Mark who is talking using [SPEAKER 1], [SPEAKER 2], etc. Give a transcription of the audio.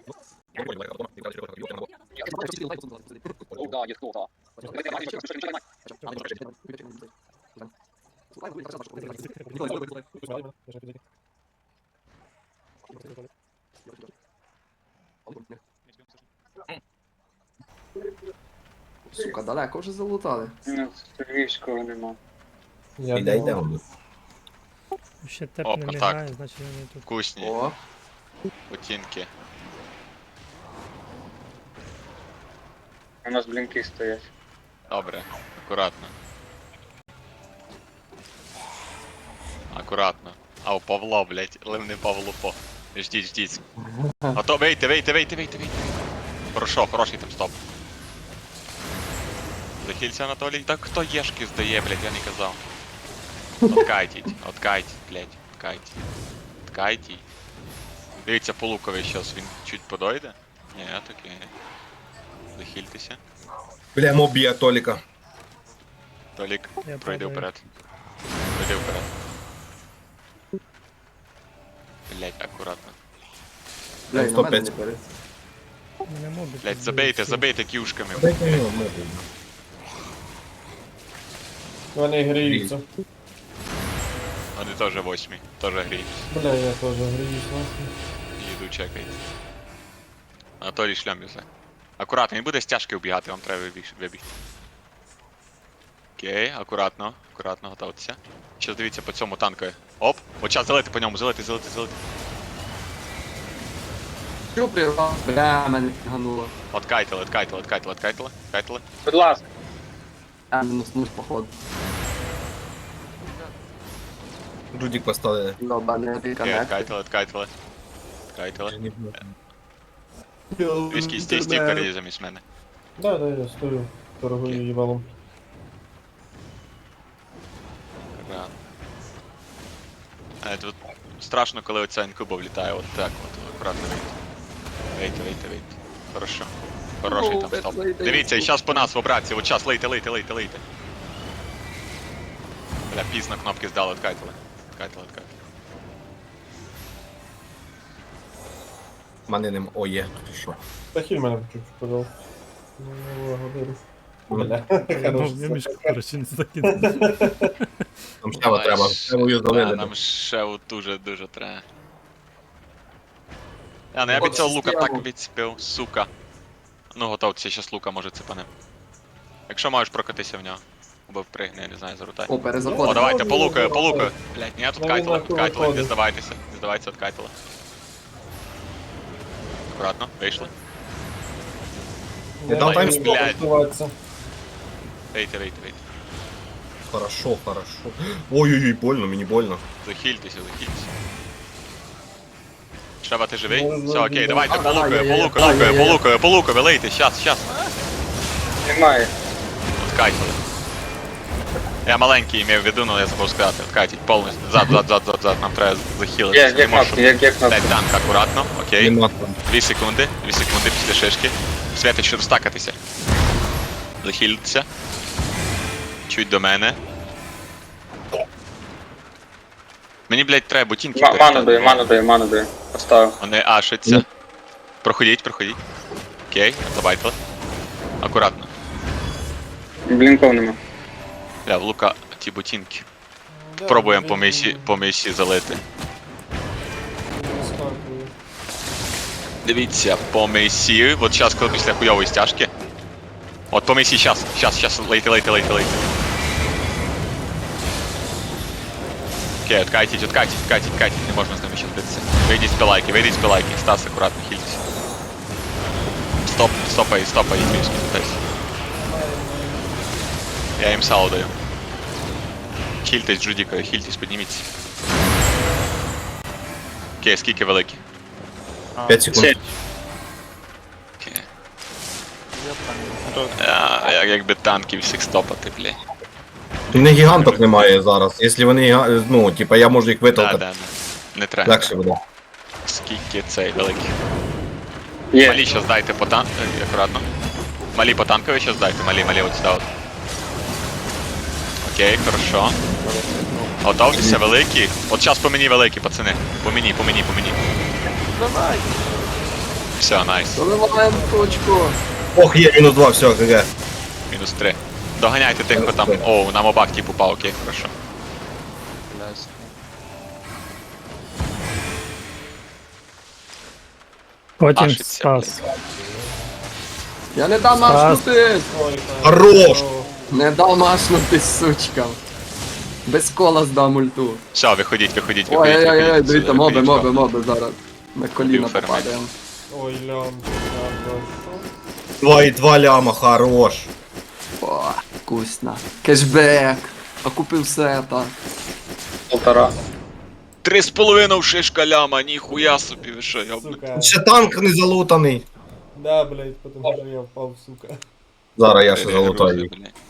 [SPEAKER 1] Oh, да, есть кто-то.
[SPEAKER 2] Сука, далеко вже залутали.
[SPEAKER 1] Ну, Сергійського нема.
[SPEAKER 3] Я
[SPEAKER 4] Іде, йде.
[SPEAKER 3] думав.
[SPEAKER 5] Ще теп
[SPEAKER 6] О,
[SPEAKER 5] не
[SPEAKER 6] контакт.
[SPEAKER 5] мігає, значить вони тут.
[SPEAKER 6] Вкусні,
[SPEAKER 2] О,
[SPEAKER 6] ботинки.
[SPEAKER 1] У нас блінки стоять.
[SPEAKER 6] Добре, акуратно. Акуратно. А у Павло, блять, ливний Павло по. Ждіть, ждіть. А то вийти. Хорошо, хороший там стоп. Захилься, Анатолій. Так хто єшки здає, блять, я не казав. Откайтіть, блять, откайтіть. Дивіться по лукові щас, він чуть подойде. Ні, окей. Захильтеся.
[SPEAKER 4] Бля, моб б'є Толіка.
[SPEAKER 6] Толік,
[SPEAKER 5] Я
[SPEAKER 6] пройди
[SPEAKER 5] падаю.
[SPEAKER 6] вперед. Пройди вперед. Блять, акуратно.
[SPEAKER 2] бля, і на мене
[SPEAKER 4] 105.
[SPEAKER 2] не бери.
[SPEAKER 5] Не можу.
[SPEAKER 6] Блять, забейте кюшками.
[SPEAKER 4] Дайте його моб.
[SPEAKER 3] Вони гріються.
[SPEAKER 6] Вони теж восьмі, теж гріють.
[SPEAKER 3] Бля, я теж гріюсь, нахуй.
[SPEAKER 6] Їду чекайте. Анатолій шлям везе. Акуратно, він буде стяжки вбігати, вам треба вибігти. Окей, акуратно, готуйтеся. Щас дивіться по цьому танкові. Оп! От час залити по ньому, залити.
[SPEAKER 2] Що прирвав? Бля, мене гануло.
[SPEAKER 6] Откайтили.
[SPEAKER 1] Будь ласка.
[SPEAKER 2] Я мінуснусь, походу.
[SPEAKER 4] Джудік поставили.
[SPEAKER 2] Йоба, не
[SPEAKER 6] Окей,
[SPEAKER 2] реконнект.
[SPEAKER 6] откайтили. Віскі, стій впереді замість мене.
[SPEAKER 3] Да, я стою. Торгую їбалом.
[SPEAKER 6] Рано. Тут страшно, коли оця інкуба влітає, от так, акуратно вийти. Вийти. Хорошо. Хороший там стоп. Дивіться, і зараз по нас в обратці, от час, лийте. Бля, пізно кнопки здали, откайтили.
[SPEAKER 4] Мене нема. О, є. Що?
[SPEAKER 3] Та хіль мене чуть-чуть, пожалуйста. Ну, благодарю. Бля,
[SPEAKER 5] Я
[SPEAKER 3] хорош.
[SPEAKER 5] мішку, коротше, не закинув.
[SPEAKER 4] Нам ще треба. Треба її залили.
[SPEAKER 6] Нам ще дуже треба. Ну я від цього лука так відцепив, сука. Ну готовці, щас лука може цепане. Якщо можеш прокатися в нього. Або впригни, я не знаю, зарутай.
[SPEAKER 2] О,
[SPEAKER 6] О,
[SPEAKER 2] перезаходимо.
[SPEAKER 6] давайте, по лукою. Блять, ні, тут кайтили, не здавайтеся, от кайтили. Аккуратно, вийшли.
[SPEAKER 4] Я дам
[SPEAKER 6] Блядь.
[SPEAKER 4] таймстоп.
[SPEAKER 3] Готуватися.
[SPEAKER 6] Вийти.
[SPEAKER 4] Хорошо. Ой-ой-ой, больно, мені больно.
[SPEAKER 6] Захильтеся. Шева, ти живий?
[SPEAKER 3] Ну,
[SPEAKER 6] Все, окей, давайте, по лукові, лейте, щас.
[SPEAKER 1] Немає.
[SPEAKER 6] Откайтили. Я маленький имею в виду, но я забув сказати. Откайтіть повністю. Зад, нам треба захилити.
[SPEAKER 1] Є кнопки, є кнопки.
[SPEAKER 6] Дать танк акуратно, окей.
[SPEAKER 4] Нема там.
[SPEAKER 6] 2 секунди після шишки. Святич, щоб стакатися. Захилитися. Чуть до мене. Мені, блядь, треба ботинки.
[SPEAKER 1] Ману даю. Поставив.
[SPEAKER 6] Вони ашаться. Проходіть. Окей, забайтили. Акуратно.
[SPEAKER 1] Блінков нема.
[SPEAKER 6] Бля, в лука ті ботинки. Пробуємо по місі залити. Дивіться, по місі. От зараз, коли після хуйової стяжки. От по місі, щас, лейте. Окей, откайтіть, не можна з ними ще збитися. Вийдіть з пилайки, Стас, акуратно, хильтесь. Стопай, київський, питайся. Я їм сало даю. Хильтесь, Джудіка, підніміться. Окей, скільки великі?
[SPEAKER 4] 5 секунд.
[SPEAKER 6] Окей. Якби танків всіх стопати, бля.
[SPEAKER 4] У мене гіганток немає зараз. Якщо вони, ну, типа, я можу їх витолкати.
[SPEAKER 6] Да. Не треба.
[SPEAKER 4] Легше буде.
[SPEAKER 6] Скільки цей великий.
[SPEAKER 1] Є.
[SPEAKER 6] Малі щас дайте по танку, акуратно. Малі по танкові щас дайте, малі от сюди от. Окей, хорошо. Готовтеся, великі. От щас по мені великі, пацани. По мені.
[SPEAKER 2] Давай.
[SPEAKER 6] Все, найс.
[SPEAKER 2] Заливаємо точку.
[SPEAKER 4] Ох, є, мінус 2, все, ГГ.
[SPEAKER 6] Мінус 3. Доганяйте тих, хто там. О, на мобак типу упав, окей, хорошо.
[SPEAKER 5] Потім
[SPEAKER 6] Машиться,
[SPEAKER 5] Стас.
[SPEAKER 2] Я не дам машнути!
[SPEAKER 3] Ой,
[SPEAKER 4] Хорош!
[SPEAKER 2] Не дав машнути, сучка. Без кола здам ульту.
[SPEAKER 6] Все, виходіть.
[SPEAKER 2] Ой-ой-ой, дивіться, моби
[SPEAKER 6] Виходіть.
[SPEAKER 2] зараз. На коліна
[SPEAKER 6] Фермент.
[SPEAKER 2] попадаємо.
[SPEAKER 3] ой, лям, хорошо.
[SPEAKER 4] 2,2 ляма, хорош.
[SPEAKER 2] О, вкусно. Кешбек. А купив сета.
[SPEAKER 1] 1,5.
[SPEAKER 6] 3,5 шишка ляма, ніхуя собі, ви що, я
[SPEAKER 3] Сука.
[SPEAKER 4] Ще танк не залутаний.
[SPEAKER 3] Да, блядь, потому что я впал, сука.
[SPEAKER 4] Зараз я ще залутаю.
[SPEAKER 6] блядь.